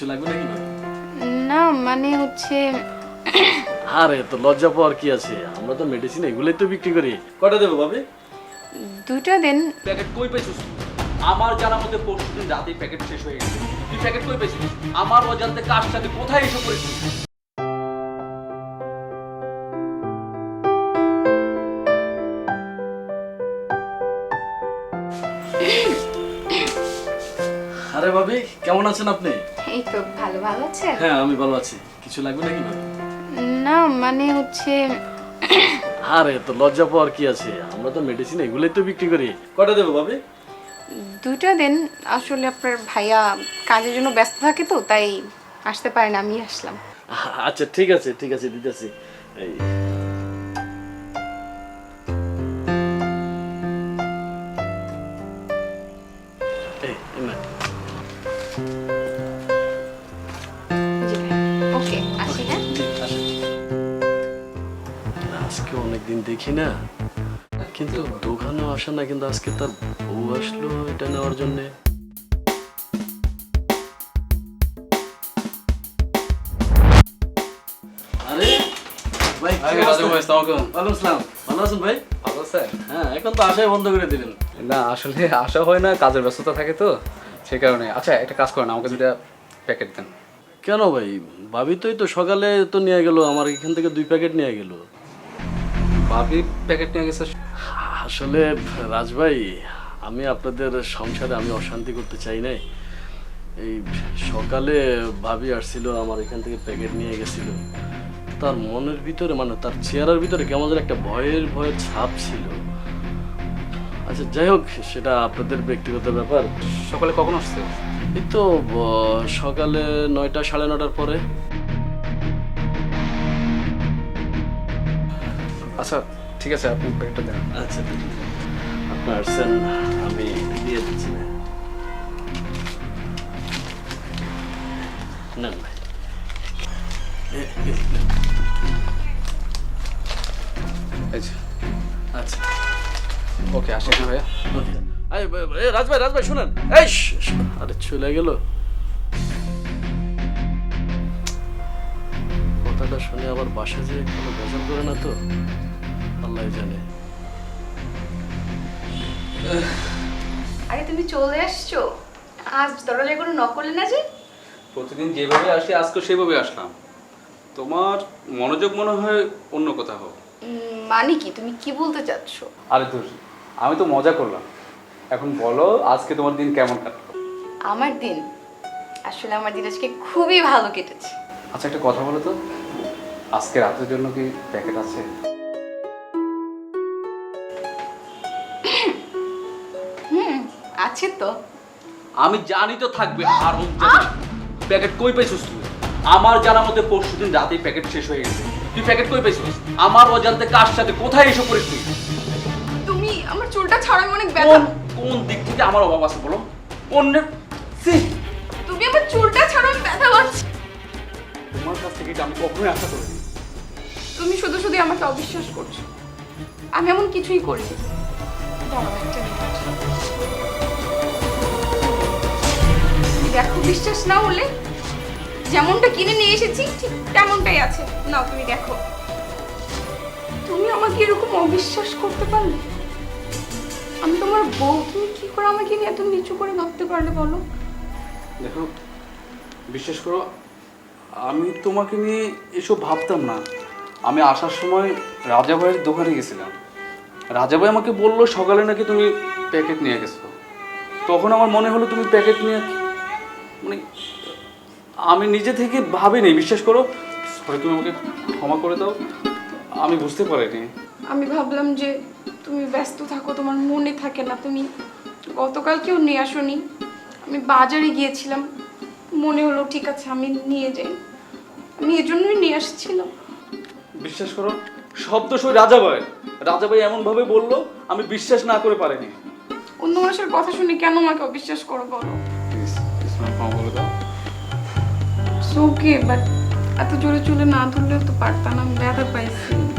কিছু লাগবে নাকি ভাবি? না মানে হচ্ছে আরে তো লজ্জা পাওয়ার কি আছে, আমরা তো মেডিসিন এগুলোই তো বিক্রি করি। কয়টা দেবো ভাবি? দুটো দিন। প্যাকেট কই পাইছিস তুই? আমার জানার মধ্যে পরশুদিন রাতেই প্যাকেট শেষ হয়ে গেছে। তুই প্যাকেট কই পাইছিস? আমার অজান্তে কার সাথে কোথায় এসব করেছিস? আরে ভাবি কেমন আছেন আপনি? এই তো ভালো ভালো আছে। হ্যাঁ আমি ভালো আছি। কিছু লাগবে নাকি ভাবি? না মানে হচ্ছে আরে তো লজ্জা পাওয়ার কি আছে, আমরা তো মেডিসিন এগুলোই তো বিক্রি করি। কয়টা দেবো ভাবি? দুটো দিন। আসলে আপনার ভাইয়া কাজের জন্য ব্যস্ত থাকে তো তাই আসতে পারে না, আমি আসলাম। আচ্ছা ঠিক আছে ঠিক আছে, দিতেছি। এই এই না। ওকে আসি হ্যাঁ। জি, আসেন। আজকে অনেকদিন দেখি না, কিন্তু দোকানেও আসে না, কিন্তু আজকে তার বউ আসলো এটা নেওয়ার জন্য। আরে ভাই ওয়ালাইকুম আসসালাম, ভালো আছেন ভাই? ভালো স্যার। হ্যাঁ এখন তো আশাই বন্ধ করে দিলেন। না আসলে আসা হয় না, কাজের ব্যস্ততা থাকে তো সেই কারণে। আচ্ছা একটা কাজ করেন, আমাকে দুটা প্যাকেট দেন। কেন ভাই, ভাবি তো সকালে তো নিয়ে গেল, আমার এখান থেকে 2 প্যাকেট নিয়ে গেল। ভাবি প্যাকেট নিয়ে গেছে? আসলে রাজ ভাই, আমি আপনাদের সংসারে আমি অশান্তি করতে চাই নাই। এই সকালে ভাবি আসছিল, আমার এখান থেকে প্যাকেট নিয়ে গেছিল। তার মনের ভিতরে মানে তার চেহারার ভিতরে কেমন যেন একটা ভয়ের ভয়ের ছাপ ছিল। আচ্ছা যাই হোক, সেটা আপনাদের ব্যক্তিগত ব্যাপার। সকালে কখন আসছে? এই তো সকালে 9টা 9:30টার পরে। আচ্ছা ঠিক আছে, আপনি প্যাকেটটা দেন। আচ্ছা আপনার আসছেন, আমি দিয়ে দিচ্ছি না। না ভাই এই যে। আচ্ছা ওকে আসি না ভাইয়া। ওকে। রাজ ভাই শুনেন, এই আরে চলে গেল। কথাটা শুনে আবার বাসা যে কোনো বেজাল করে না তো, আল্লাহ জানে। আরে তুমি চলে আসছো, আজ দরজায় কোনো নক করলে না যে? প্রতিদিন যেভাবে আসি আজকে সেভাবে আসলাম। তোমার মনোযোগ মনে হয় অন্য কোথাও। মানে কি, তুমি কি বলতে চাচ্ছো? আরে তোর, আমি তো মজা করলাম। এখন বলো আজকে তোমার দিন কেমন কাটলো? আমার দিন, আসলে আমার দিন আজকে খুবই ভালো কেটেছে। আচ্ছা একটা কথা বলো তো, আজকে রাতের জন্য কি প্যাকেট আছে? আছে তো। আমি জানি তো থাকবে, আর প্যাকেট কই পাইছিস তুই? আমার জানার মধ্যে পরশুদিন রাতেই প্যাকেট শেষ হয়ে গেছে। তুই প্যাকেট কই পাইছিস? আমার অজান্তে কার সাথে কোথায় এসব করেছিস তুই? তুমি আমার চুলটা ছাড়ানো অনেক ব্যথা। কোন কোন দিক থেকে আমার অভাব আছে বলো? অন্যের ছি! তুমি আমার চুলটা ছাড়ানো ব্যথা পাচ্ছি। তোমার কাছ থেকে এটা আমি কখনোই আশা করিনি। তুমি শুধু শুধু আমাকে অবিশ্বাস করছো, আমি এমন কিছুই করিনি। দাঁড়াও একটা মিনিট। তুমি দেখো, বিশ্বাস না হলে যেমনটা কিনে নিয়ে এসেছি ঠিক তেমনটাই আছে। নাও তুমি দেখো। তুমি আমাকে এরকম অবিশ্বাস করতে পারলে? আমি তোমার বউ, তুমি কি করে আমাকে নিয়ে এত নিচু করে ভাবতে পারলে বলো? দেখো বিশ্বাস করো, আমি তোমাকে নিয়ে এসব ভাবতাম না। আমি আসার সময় রাজা ভাইয়ের দোকানে গেছিলাম। রাজা ভাই আমাকে বললো সকালে নাকি তুমি প্যাকেট নিয়ে গেছো। তখন আমার মনে হলো তুমি প্যাকেট নিয়ে, মানে আমি নিজে থেকে ভাবিনি। বিশ্বাস করো, সরি তুমি আমাকে ক্ষমা করে দাও, আমি বুঝতে পারিনি। আমি ভাবলাম যে তুমি ব্যস্ত থাকো, তোমার মনে থাকে না। তুমি গতকালকেও নিয়ে আসোনি, আমি বাজারে গিয়েছিলাম, মনে হলো ঠিক আছে আমি নিয়ে যাই, আমি এজন্যই নিয়ে আসছিলাম। বিশ্বাস করো, শব্দ সই রাজা ভাই। রাজা ভাই এমনভাবে বললো, আমি বিশ্বাস না করে পারিনি। অন্য মানুষের কথা শুনে কেন আমাকে অবিশ্বাস করো বলো? প্লিজ ক্ষমা বলে দাও। ওকে, বাট এত জোরে চুলে না ধরলেও তো পারতাম, আমি ব্যথা পাইছি।